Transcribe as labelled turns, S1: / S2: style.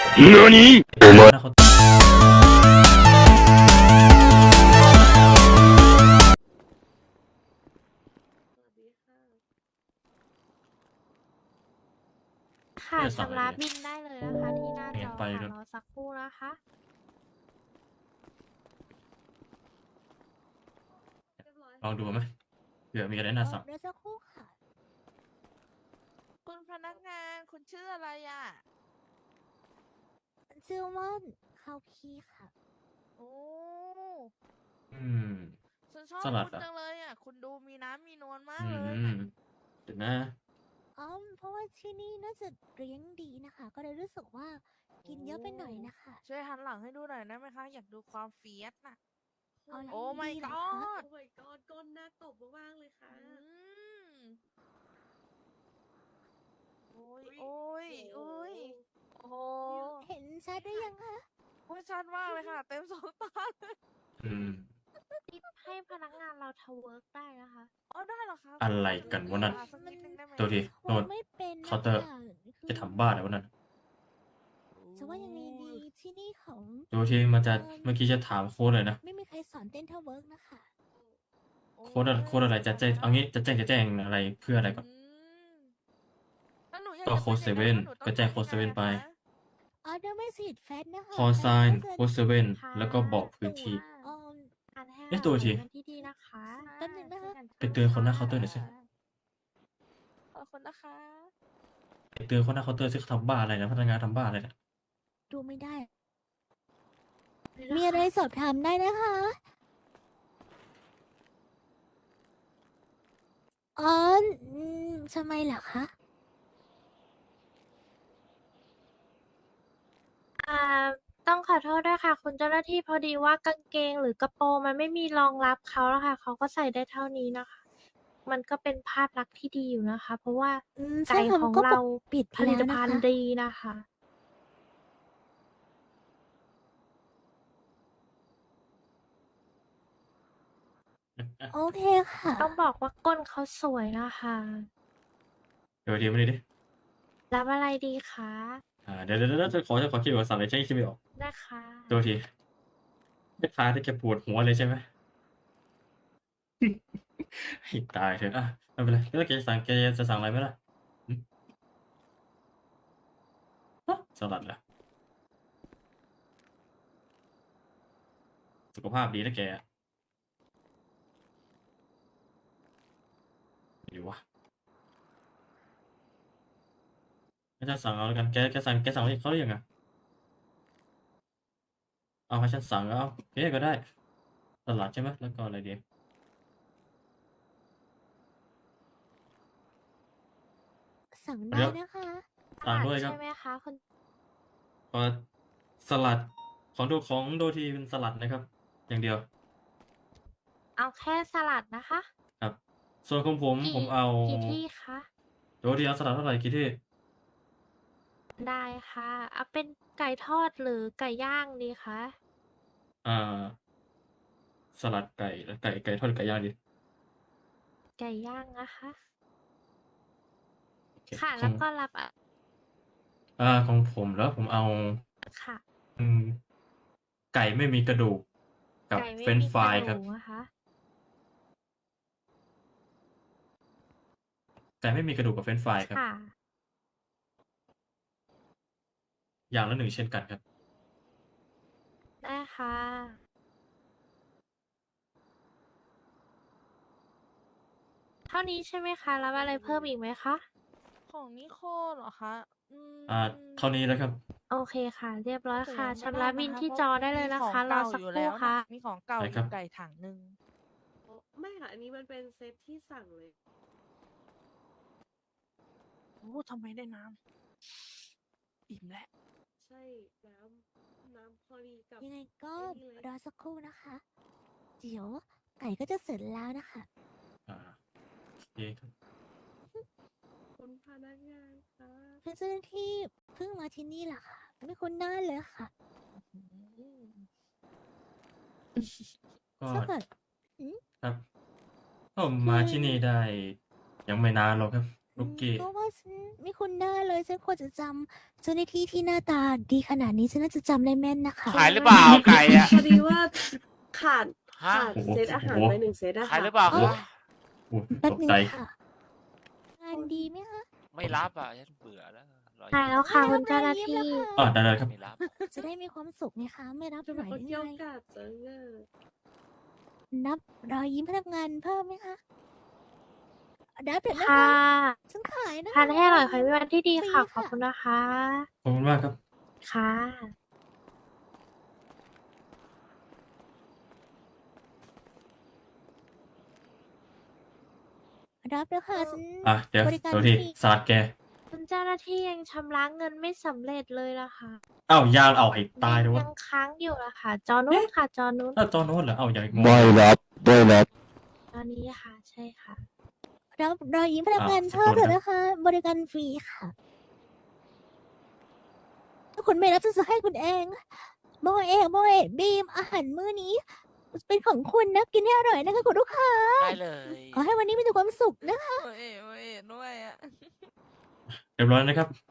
S1: 何お前
S2: ค่ะชำระบินได้เลยนะคะที่หน้าจอค่ะรอสักครู่นะคะ
S3: ลองดูไหมเผื่อมีอะไรน่าสั่ง
S4: เดี๋ยวสักครู่ค่ะ
S5: คุณพนักงานคุณชื่ออะไรอ่ะ
S4: ชื่อว่าข้าวคีค่ะ
S5: โอ้
S3: อืม
S5: ฉันชอบ
S3: สลัด
S5: คุณ
S3: อ่ะ
S5: จังเลยอ่ะ คุณดูมีน้ำมีนวลมาก
S3: อื
S5: เลย
S3: ม
S5: น่ะ
S3: เดี๋ยวนะ
S4: เพราะว่าที่นี่น่าจะเลี้ยงดีนะคะ ก็เลยรู้สึกว่ากินเยอะไปหน่อยนะคะ
S5: ช่วยหันหลังให้ดูหน่อยได้ไหมคะ อยากดูความเฟียสน่ะ
S4: เอาอย่าง
S5: โอ้ my
S4: ดีเหรอ
S5: god
S4: คะ
S6: โอ้ my god ก้นหน้าตบมากๆเลยค่ะ
S5: โอ้ยโอ้ยโอ้ยโอ้โห
S4: เห็นชัดได้ยังคะ
S5: โอ้ยชัดมากเลยค่ะ เต็มสองตาเลย
S3: อืม
S2: ให้พนักงานเราทำเวิร์กได้นะคะ
S5: อ๋อได้เหรอคะ
S3: อะไรกันวะนั่น
S5: สักนิดนึงได้ไหม
S3: ตัวที
S4: โอ้
S3: โน่น
S4: ไม่เป็นนะ
S3: เคาน์เตอร์
S4: คะคือ
S3: จะทำบ้าอะไรวะนั่น
S4: จะว่ายังไงดีที่นี่ของ
S3: ตัวทีมันจะเมื่อกี้จะถามโค้ดเลยนะ
S4: ไม่มีใครสอนเต้นเท่าเวิร์กนะคะ
S3: โค้ดอะไรจะแจ้งเอางี้จะแจ้งอะไรเพื่ออะไรก่อน
S5: แล้วหนูอยาก
S3: ก็
S5: จะ
S3: โค้ด
S5: ป็น
S3: เซเว่น
S5: ยังไงคะหนูต้อง
S3: ก็แจ้ง
S5: ทำ
S3: โค้ด
S5: ยังไง
S3: เซเว่นไป
S5: อะคะ
S4: เดี๋ยวไม่สีดแฟตนะคะ
S3: คอไซน์
S4: แฟต
S3: โค้ดเซเว่น
S2: ค่ะ
S3: แล้วก็บอกพื้นที่
S4: เอ่อ
S2: การให้
S3: เอ๊ะตัวที
S2: เราเป็นที่ดีนะคะ
S4: แป๊บนึงนะคะ
S3: ไปเตือนคนหน้าเคาน์เตอร์หน่อยสิ
S5: ขอบคุณนะคะ
S3: ไปเตือนคนหน้าเคาน์เตอร์ซิเขาทำบ้าอะไรนะพนักงานทำบ้าอะไรนะ
S4: ดูไม่ได้ มีอะไรสอบถามได้นะคะอ๋อทำไมเหรอคะ
S2: อ่าต้องขอโทษด้วยค่ะ คุณเจ้าหน้าที่พอดีว่ากางเกงหรือกระโปรงมันไม่มีรองรับเขาแล้วค่ะ เขาก็ใส่ได้เท่านี้นะคะ มันก็เป็นภาพลักษณ์ที่ดีอยู่นะคะ เพราะว่า
S4: ใช่
S2: ไก่
S4: ค่ะ
S2: ของ
S4: ก็
S2: เรา
S4: ปิด
S2: ผลิต
S4: แล้วนะ
S2: ภัณ
S4: คะ
S2: ฑ์ดีนะคะ
S4: โอเคค่ะ
S2: ต้องบอกว่าก้นเขาสวยนะคะ
S3: เดี๋ยวทีมาดิดิ
S2: รับอะไรดีคะ
S3: เดี๋ยวจะขอคิดว่าสั่งอะไรใช่คิดไม่ออก
S2: นะคะ
S3: ตัวทีไม่ทายที่แกปวดหัวเลยใช่ไหม ให้ตายเถอะอ่ะไม่เป็นไรแล้วแกจะสั่งอะไรไหมล่ะหึฮะสลัดเหรอสุขภาพดีนะแกไม่ดีวะงั้นฉันสั่งเอาแล้วกันแกสั่งให้เขาหรือยังอะเอาให้ฉันสั่งเอาโอเคก็ได้สลัดใช่ไหมแล้วก็อะไรดี
S4: สั่ง
S3: เดี๋
S4: ได้
S3: ยว
S4: นะคะ
S3: สั่งด้วยครับ
S2: ใช่ไหมคะคุณ
S3: พอสลัดของโดทีเป็นสลัดนะครับ อย่างเดียว
S2: เอาแค่สลัดนะคะ
S3: ครับ ส่วนของผม
S2: กี่
S3: ผมเอา
S2: กี่ที่คะ
S3: โดทีเอาสลัดเท่าไหร่กี่ที่
S2: ได้ค่ะ เอาเป็นไก่ทอดหรือไก่ย่างดีคะ
S3: อ่า สลัดไก่แล้วไก่ทอดหรือไก่ย่างดี
S2: ไก่ย่างนะคะ
S3: โอเค
S2: ค่ะ
S3: ข
S2: แล้
S3: อ
S2: ว
S3: ง
S2: ก็รับ
S3: ของผมแล้วผมเอา
S2: ค่ะ
S3: อืมไก่ไม่มีกระดูกกับ
S2: ไก่ไม่
S3: เฟรนช์
S2: มี
S3: ฟราย
S2: กะ
S3: ครับ
S2: ดูกนะคะ
S3: ไก่ไม่มีกระดูกกับเฟรนช์ฟรายครับ
S2: ค่ะ
S3: อย่างละ1เช่นกันครับ
S2: ได้ค่ะ เท่านี้ใช่ไหมคะ รับอะไรเพิ่มอีกไหมคะ
S5: ของนิโคเหรอคะ
S3: เท่านี้แล้วครับ
S2: โอเคค่ะ เรียบร้อย
S5: แต่
S2: ค่ะ
S5: ยังไม่
S2: ชำระ
S5: ได้
S2: บิน
S5: นะคะ
S2: ที่
S5: เพราะ
S2: จอได้เลย
S5: มี
S2: นะ
S5: ของ
S2: คะ รอ
S5: เก่า
S2: สัก
S5: อยู่
S2: ครู่
S5: แล้ว
S2: ค่ะ
S5: น่ะมีของเก่า
S3: ได้
S5: อ
S3: ครั
S5: ยู่
S3: บ
S5: ไก่ถังหนึ่ง
S6: ไม่ค่ะ อันนี้มันเป็นเซตที่สั่งเลย
S5: โอ้ทำไมได้น้ำอิ่มแล้ว
S6: ใช่ น้ำพอดีกับ
S4: ยังไงก็
S6: ไอ้นี่เลย
S4: รอสักครู่นะคะ เดี๋ยวไก่ก็จะเสร็จแล้วนะคะ
S3: โอเคครับ
S6: คุณพนักงานคะ
S4: เป็นเจ้าหน้าที่เพิ่งมาที่นี่แหละค่ะ ไม่คุ้นหน้าเลยค่ะ
S3: ก็
S4: ถ้าเกิด
S3: ครับผมมาที่นี่ได้ยังไม่นานหรอกครับ ลูกกี้
S4: ก็ว่าฉันไม่คุ้นหน้าเลยฉันควรจะจำเจ้าหน้าที่ที่หน้าตาดีขนาดนี้ฉันน่าจะจำได้แม่นนะคะ
S1: ขายหรือเปล่าไก่อะ
S6: พอดีว่าขาด
S1: ฮะ
S6: ขาดเซตอาหารไป1 เซตอะ
S1: ขาย
S6: ค่ะ
S1: หรือเปล่า
S4: อ๋อ
S1: คะ
S3: โอ้ย
S4: แป๊บ
S3: ตก
S4: นึง
S3: ใจ
S4: ค่ะงานดีไหมคะ
S1: ไม่รับอ่ะฉันเบื่อแล้วรอ
S2: ใช่แล้วค่ะคุณเจ้าหน้าที่
S3: ได้ครับ
S1: ไม่รับ
S4: จะได้มีความสุขไงคะไม่รับ
S6: จะ
S4: ไหว
S6: มา
S4: ได้
S6: เกี่ยว
S4: ไง
S6: กาดจังอะ
S4: นับรอยยิ้มพนักงานเพิ่มไหมคะนับเดี๋ยวนะ
S2: ค่ะ
S4: คะฉันขายนะ
S2: ทานให้อร่อยขอให้มีวันที่ดีค่ะ
S4: ฟรี
S2: ขอบคุณนะคะ
S3: ขอบคุณมากครับ
S2: ค่ะ
S4: รับแล้วค่ะฉัน
S3: เดี๋ยว
S4: บริการ
S3: โดที
S4: ฟรี
S3: สลัดแก
S2: คุณเจ้าหน้าที่ยังชำระเงินไม่สำเร็จเลยล่ะค่ะ
S3: ยางเอาให้ตายด้วยวะ
S2: ยังค้างอยู่ล่ะค่ะ จอนู้นค่ะ จอนู้น
S3: ถ้าจอโน้นเหรออย่างงง
S7: ไม่รับไม่รับ
S2: ตอนนี้ค่ะ ใช่ค่ะ
S4: รับรอยยิ้มพนักงาน
S3: สัก
S4: เพิ่ม
S3: ครู่
S4: เถ
S3: นะ
S4: อะนะคะ บริการฟรีค่ะ ถ้าคุณไม่รับฉันจะให้คุณเองโมเอะบีมอาหารมื้อนี้ เป็นของคุณนะกินให้อร่อยนะคะคุณลูกค้า
S1: ได้เลย
S4: ขอให้วันนี้มีแต่ความสุขนะคะ
S5: โอ้ยด้วยอ่ะ
S3: เรียบร้อยนะครับ